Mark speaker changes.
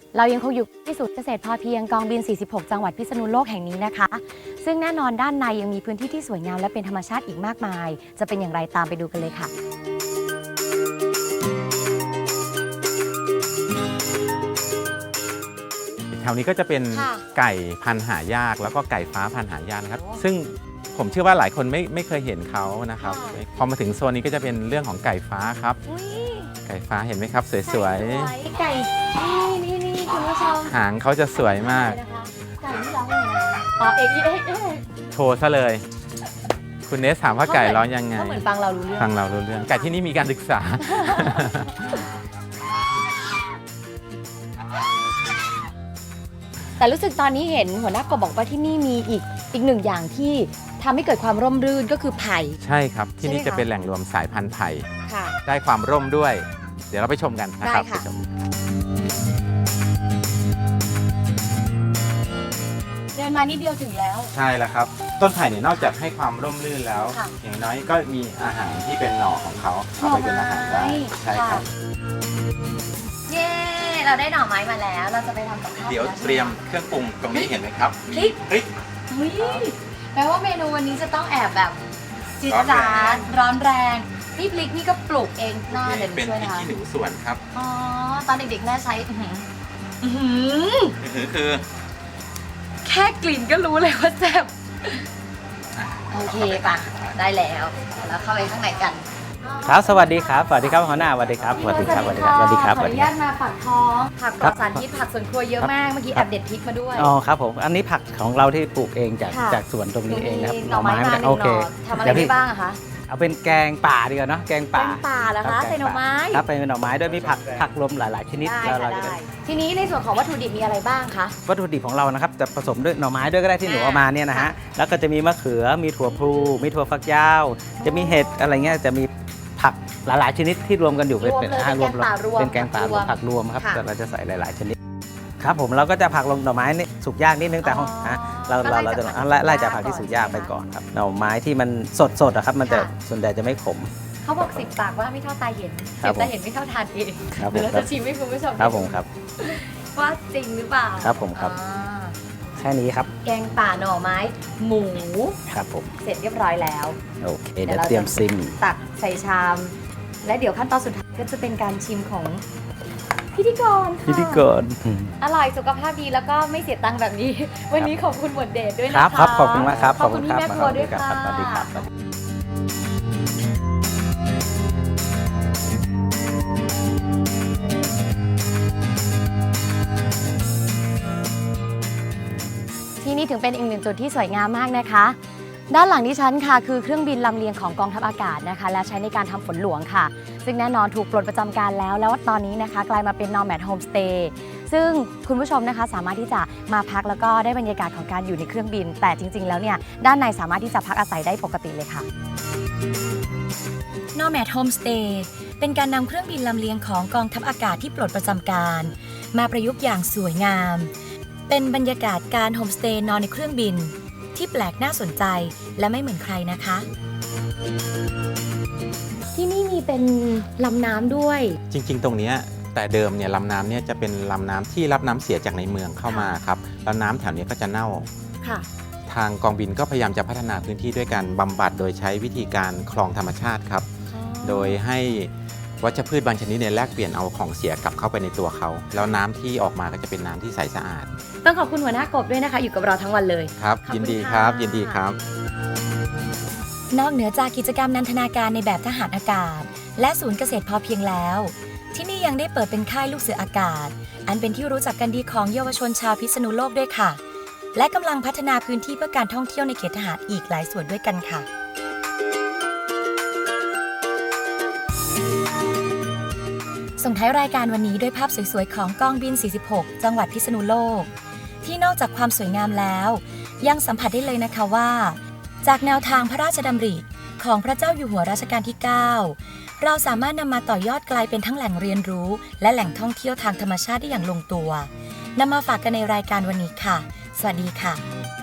Speaker 1: เรายังคงอยู่ที่ศูนย์เกษตรพอเพียงกองบิน 46 จังหวัดพิษณุโลกแห่งนี้นะคะ ซึ่งแน่นอนด้านในยังมีพื้นที่ที่สวยงามและเป็นธรรมชาติอีกมากมาย จะเป็นอย่างไรตามไปดูกันเลยค่ะ
Speaker 2: แถวนี้ก็จะเป็นไก่พันธุ์หายากแล้วก็ไก่ฟ้าพันธุ์หายากนะครับซึ่งผมเชื่อว่าหลายคนไม่เคยเห็นเขานะครับพอมาถึงโซนนี้ก็จะเป็นเรื่องของไก่ฟ้าครับไก่ฟ้าเห็นไหมครับสวย
Speaker 1: ๆไก่นี่คุณผู้ชม
Speaker 2: หางเขาจะสวยมาก
Speaker 1: ไก่ที่ร้องยังไงอ๋อเอก
Speaker 2: โชว์ซะเลยคุณเนสถามว่าไก่ร้องยังไง
Speaker 1: ก็เหมือนฟังเรารู้เรื่อง
Speaker 2: ไก่ที่นี่มีการศึกษา
Speaker 1: แต่รู้สึกตอนนี้เห็นหัวหน้ากบบอกว่าที่นี่มีอีกหนึ่งอย่างที่ทำให้เกิดความร่มรื่นก็คือไผ่
Speaker 2: ใช่ครับที่นี่จะเป็นแหล่งรวมสายพันธุ์ไผ่ได้ความร่มด้วยเดี๋ยวเราไปชมกันนะครับไปชม
Speaker 1: เดินมานิดเดียวถึงแล้ว
Speaker 2: ใช่แล้วครับต้นไผ่เนี่ยนอกจากให้ความร่มรื่นแล้วอย่างน้อยก็มีอาหารที่เป็นหน่อของเขาเอาไปเป็นอาหารได้ใช่ครับ
Speaker 1: เย้เราได้หน่อไม้มาแล้วเราจะไปทำกับข้าว
Speaker 2: เดี๋ยวเตรียมเครื่องปรุงตรงนี้เห็นไหมครับ
Speaker 1: พริกแปลว่าเมนูวันนี้จะต้องแอบแบบจี๊ดจ๊าดร้อนแรงนี่พริกนี่ก็ปลูกเองหน้าเดี๋ยวช่วยนะคะ
Speaker 2: เป็นพริกขี้หนูสวนครับ
Speaker 1: อ๋อตอนเด็กๆแม่ใช้
Speaker 2: คือ
Speaker 1: แค่กลิ่นก็รู้เลยว่าแซ่บโอเคป่ะได้แล้วเข้าไปข้างในกัน
Speaker 3: ครับสวัสดีครับสวัสดีครับหัวหน้าสวัสดีครับสวัสดีครับสวัสดีครับสวัสดีครับ
Speaker 1: ขออนุญาตมาปักท้องผักปลอดสารพิษผักสวนครัวเยอะมากเมื่อกี้แอบเด็ดพริกมาด้วย
Speaker 3: อ๋อครับผมอันนี้ผักของเราที่ปลูกเองจากสวนตรงนี้เองนะครับ
Speaker 1: หน่อไม้มาโอเคทำอะไรได้บ้างอะคะ
Speaker 3: เอาเป็นแกงป่าดีกว่าเนาะแกงป่า
Speaker 1: เหรอคะใส่หน่อไม้
Speaker 3: ครับเป็นหน่อไม้ด้วยมีผักรวมหลายๆชนิด
Speaker 1: แล้วเราจะทีนี้ในส่วนของวัตถุดิบมีอะไรบ้างคะ
Speaker 3: วัตถุดิบของเรานะครับจะผสมด้วยหน่อไม้ด้วยก็ได้ที่หนูเอามาเนี่ยนะฮะแล้วก็จะมีมะเขือมีถั่วพลูมีถั่วฝักยาวจะมีเห็ดอะไรเงี้ยจะมีผักหลายๆชนิดที่รวมกันอยู่เป็นแกงป่ารวมผักรวมครับเราจะใส่หลายๆชนิดครับผมเราก็จะผักลงหน่อไม้นี่สุกยากนิดนึงแต่เราจะไล่จากผักที่สุกยากไปก่อนครับหน่อไม้ที่มันสดครับมันจะส่วนใหญ่จะไม่ขม
Speaker 1: เขาบอก10 ปากว่าไม่เท่าตาเห็น10 ตาเห็นไม่เท่าทานเองเดี๋ยวเราจะชิมให้คุณผู้ชม
Speaker 3: ครับผมครับ
Speaker 1: ว่าจริงหรือเปล่า
Speaker 3: ครับผมครับแค่นี้ครับ
Speaker 1: แกงป่าหน่อไม้หมู
Speaker 3: ครับผม
Speaker 1: เสร็จเรียบร้อยแล้ว
Speaker 3: โอเคเดี๋ยวเตรียมซิม
Speaker 1: ตักใส่ชามและเดี๋ยวขั้นตอนสุดท้ายก็จะเป็นการชิมของพิธีกรอร่อยสุขภาพดีแล้วก็ไม่เสียตังค์แบบนี้วันนี้ขอบคุณหมวดเดชด้วยนะคะ
Speaker 3: ครับขอบคุณมากครับ
Speaker 1: ขอบคุณพี่แม่ครัวด้วยค่ะ
Speaker 3: สวัสดีครับ
Speaker 1: ที่นี่ถึงเป็นอีกหนึ่งจุดที่สวยงามมากนะคะด้านหลังดิฉันค่ะคือเครื่องบินลำเลียงของกองทัพอากาศนะคะและใช้ในการทำฝนหลวงค่ะซึ่งแน่นอนถูกปลดประจำการแล้วตอนนี้นะคะกลายมาเป็น Nomad Homestay ซึ่งคุณผู้ชมนะคะสามารถที่จะมาพักแล้วก็ได้บรรยากาศของการอยู่ในเครื่องบินแต่จริงๆแล้วเนี่ยด้านในสามารถที่จะพักอาศัยได้ปกติเลยค่ะ Nomad Homestay เป็นการนำเครื่องบินลำเลียงของกองทัพอากาศที่ปลดประจำการมาประยุกต์อย่างสวยงามเป็นบรรยากาศการโฮมสเตย์นอนในเครื่องบินที่แปลกน่าสนใจและไม่เหมือนใครนะคะที่นี่มีเป็นลำน้ำด้วย
Speaker 2: จริงๆตรงนี้แต่เดิมเนี่ยลำน้ำเนี่ยจะเป็นลำน้ำที่รับน้ำเสียจากในเมืองเข้ามาครับแล้วน้ำแถวนี้ก็จะเน่าทางกองบินก็พยายามจะพัฒนาพื้นที่ด้วยการบำบัดโดยใช้วิธีการคลองธรรมชาติครับโดยให้วัชพืชบางชนิดเนี่ยแลกเปลี่ยนเอาของเสียกลับเข้าไปในตัวเขาแล้วน้ำที่ออกมาก็จะเป็นน้ำที่ใสสะอาด
Speaker 1: ต้องขอบคุณหัวหน้ากบด้วยนะคะอยู่กับเราทั้งวันเลย
Speaker 2: ครับยินดีครับยินดีครับ
Speaker 1: นอกเหนือจากกิจกรรมนันทนาการในแบบทหารอากาศและศูนย์เกษตรพอเพียงแล้วที่นี่ยังได้เปิดเป็นค่ายลูกเสืออากาศอันเป็นที่รู้จักกันดีของเยาวชนชาวพิษณุโลกด้วยค่ะและกำลังพัฒนาพื้นที่เพื่อการท่องเที่ยวในเขตทหารอีกหลายส่วนด้วยกันค่ะส่งท้ายรายการวันนี้ด้วยภาพสวยๆของกองบิน 46 จังหวัดพิษณุโลกที่นอกจากความสวยงามแล้วยังสัมผัสได้เลยนะคะว่าจากแนวทางพระราชดำริของพระเจ้าอยู่หัวรัชกาลที่ 9 เราสามารถนำมาต่อยอดกลายเป็นทั้งแหล่งเรียนรู้และแหล่งท่องเที่ยวทางธรรมชาติได้อย่างลงตัวนำมาฝากกันในรายการวันนี้ค่ะสวัสดีค่ะ